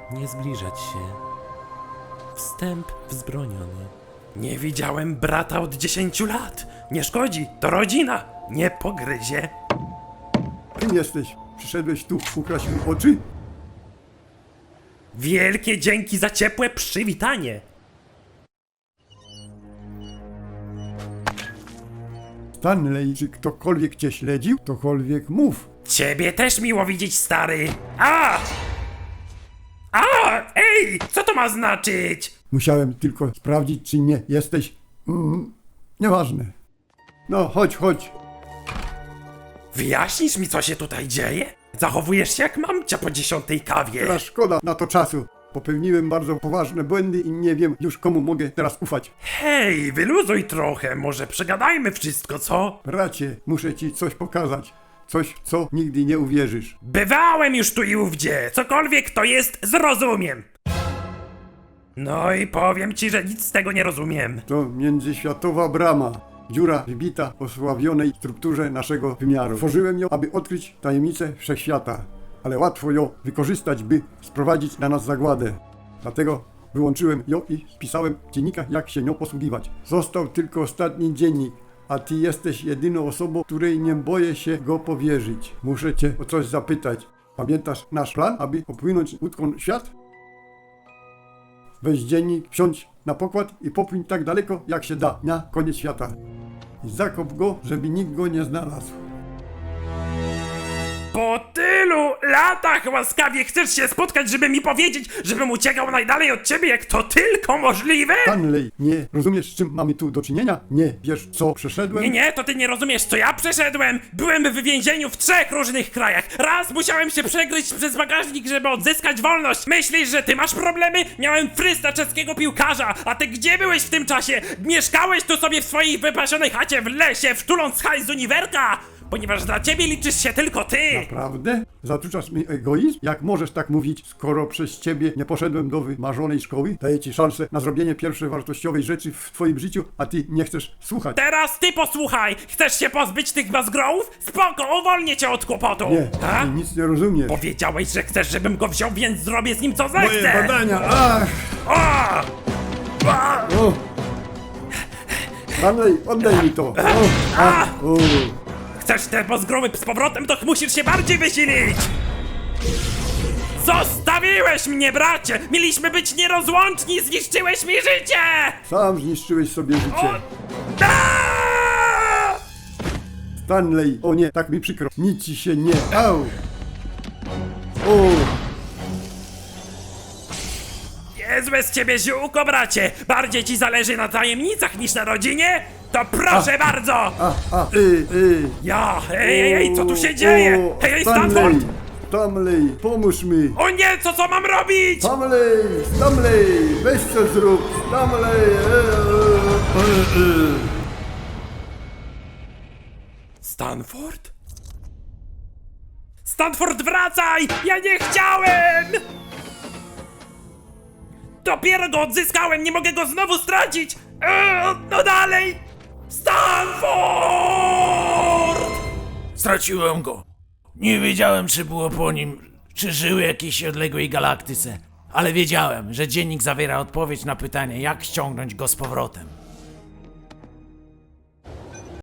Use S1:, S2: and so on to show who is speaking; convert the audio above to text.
S1: Nie zbliżać się. Wstęp wzbroniony. Nie widziałem brata od 10 lat. Nie szkodzi, to rodzina. Nie pogryzie.
S2: Kim jesteś? Przyszedłeś tu ukraść mi oczy?
S1: Wielkie dzięki za ciepłe przywitanie.
S2: Stanley, czy ktokolwiek cię śledził? Ktokolwiek mów.
S1: Ciebie też miło widzieć, stary. Ej, co to ma znaczyć?
S2: Musiałem tylko sprawdzić, czy nie jesteś... nieważne. No, chodź.
S1: Wyjaśnisz mi, co się tutaj dzieje? Zachowujesz się jak mamcia po 10 kawie.
S2: Teraz szkoda na to czasu. Popełniłem bardzo poważne błędy i nie wiem już komu mogę teraz ufać.
S1: Hej, wyluzuj trochę, może przegadajmy wszystko, co?
S2: Bracie, muszę ci coś pokazać. Coś, co nigdy nie uwierzysz.
S1: Bywałem już tu i ówdzie, cokolwiek to jest, zrozumiem. No i powiem ci, że nic z tego nie rozumiem.
S2: To międzyświatowa brama. Dziura wybita w osławionej strukturze naszego wymiaru. Tworzyłem ją, aby odkryć tajemnicę wszechświata. Ale łatwo ją wykorzystać, by sprowadzić na nas zagładę. Dlatego wyłączyłem ją i spisałem w dziennikach, jak się nią posługiwać. Został tylko ostatni dziennik, a ty jesteś jedyną osobą, której nie boję się go powierzyć. Muszę cię o coś zapytać. Pamiętasz nasz plan, aby popłynąć łódką świat? Weź dziennik, wsiądź na pokład i popłyń tak daleko, jak się da, na koniec świata. I zakop go, żeby nikt go nie znalazł.
S1: Po tylu latach łaskawie chcesz się spotkać, żeby mi powiedzieć, żebym uciekał najdalej od ciebie, jak to tylko możliwe?
S2: Stanley, nie rozumiesz, z czym mamy tu do czynienia? Nie wiesz, co przeszedłem?
S1: Nie, to ty nie rozumiesz, co ja przeszedłem. Byłem w więzieniu w 3 różnych krajach. Raz musiałem się przegryźć przez bagażnik, żeby odzyskać wolność. Myślisz, że ty masz problemy? Miałem frysta czeskiego piłkarza. A ty gdzie byłeś w tym czasie? Mieszkałeś tu sobie w swojej wypasionej chacie w lesie, wtuląc hajs z uniwerka? Ponieważ dla ciebie liczysz się tylko ty.
S2: Naprawdę? Zatruczasz mi egoizm? Jak możesz tak mówić, skoro przez ciebie nie poszedłem do wymarzonej szkoły? Daję ci szansę na zrobienie pierwszej wartościowej rzeczy w twoim życiu, a ty nie chcesz słuchać.
S1: Teraz ty posłuchaj! Chcesz się pozbyć tych bazgrołów? Spoko, uwolnię cię od kłopotu!
S2: Nie,
S1: Ha?
S2: ty nic nie rozumiesz.
S1: Powiedziałeś, że chcesz, żebym go wziął, więc zrobię z nim co
S2: Moje
S1: zechcę!
S2: badania, ach!
S1: O! O!
S2: O! Stanley, oddaj mi to! O! O!
S1: Chcesz te bazgroły z powrotem, to musisz się bardziej wysilić! Zostawiłeś mnie, bracie! Mieliśmy być nierozłączni, zniszczyłeś mi życie!
S2: Sam zniszczyłeś sobie życie.
S1: Aaaa!
S2: Stanley, o nie, tak mi przykro. Nic ci się nie... Au! O!
S1: Niezłe z ciebie ziółko, bracie! Bardziej ci zależy na tajemnicach niż na rodzinie? To proszę bardzo! Ja! Ej, co tu się dzieje? Hej, Stanford!
S2: Stanley, pomóż mi!
S1: O nie, co mam robić?
S2: Stanley, weź co zrób! Stanley!
S1: Stanford? Stanford, wracaj! Ja nie chciałem! Dopiero go odzyskałem, nie mogę go znowu stracić! No dalej! Stanford!
S3: Straciłem go. Nie wiedziałem, czy było po nim, czy żył w jakiejś odległej galaktyce. Ale wiedziałem, że dziennik zawiera odpowiedź na pytanie, jak ściągnąć go z powrotem.